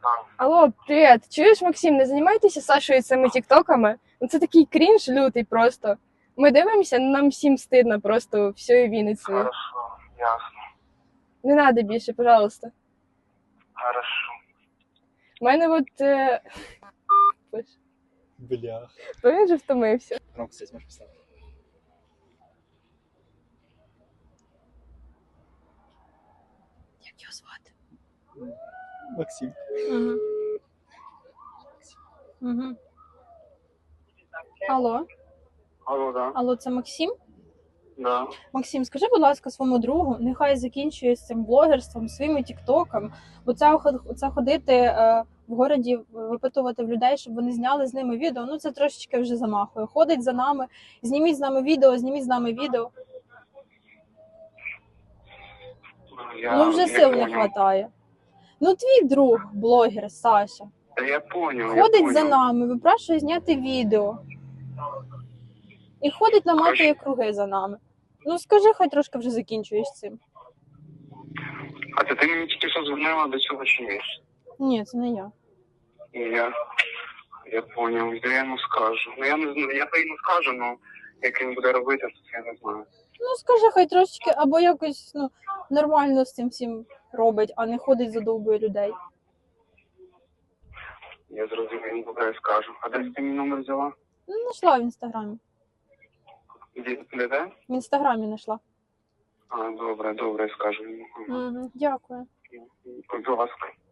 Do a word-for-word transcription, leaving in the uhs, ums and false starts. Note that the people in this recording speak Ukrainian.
Алло, привіт. Чуєш, Максим, не займайтеся Сашою цими тіктоками? Ну це такий крінж лютий просто. Ми дивимося, нам всім стидно просто всією Вінницею. Хорошо, ясно. Не треба більше, пожалуйста. Хорошо. У мене от... Е... Бля. То він же втомився. Ромка, кстати, можешь поставить? Як його звати? Максим. Угу. Угу. Алло, Алло, да. алло, це Максим? Да. Максим, скажи, будь ласка, своєму другу, нехай закінчує з цим блогерством, своїми тіктоком, бо це, ход- це ходити е, в городі, випитувати в людей, щоб вони зняли з ними відео, ну це трошечки вже замахує. Ходить за нами, зніміть з нами відео, зніміть з нами відео. Я Ну вже я сил не понял. вистачає. Ну твій друг, блогер Саша, Да я понял, я ходить понял. за нами, випрашує зняти відео. І ходить наматує круги за нами. Ну скажи, хай трошки вже закінчуєш з цим. А це ти мені тільки що дзвонила до цього чи ні? Ні, це не я. І я, я понял, я йому скажу. Ну я не знаю, я то йому скажу, ну як він буде робити, то я не знаю. Ну скажи, хай трошечки або якось ну, нормально з цим всім робить, а не ходить задовбує людей. Я зрозумів, добре, я скажу. А де ти мій номер взяла? Ну, знайшла в інстаграмі. Де, де, де? В інстаграмі знайшла. А, добре, добре, я скажу йому. Угу, дякую. Будь ласка.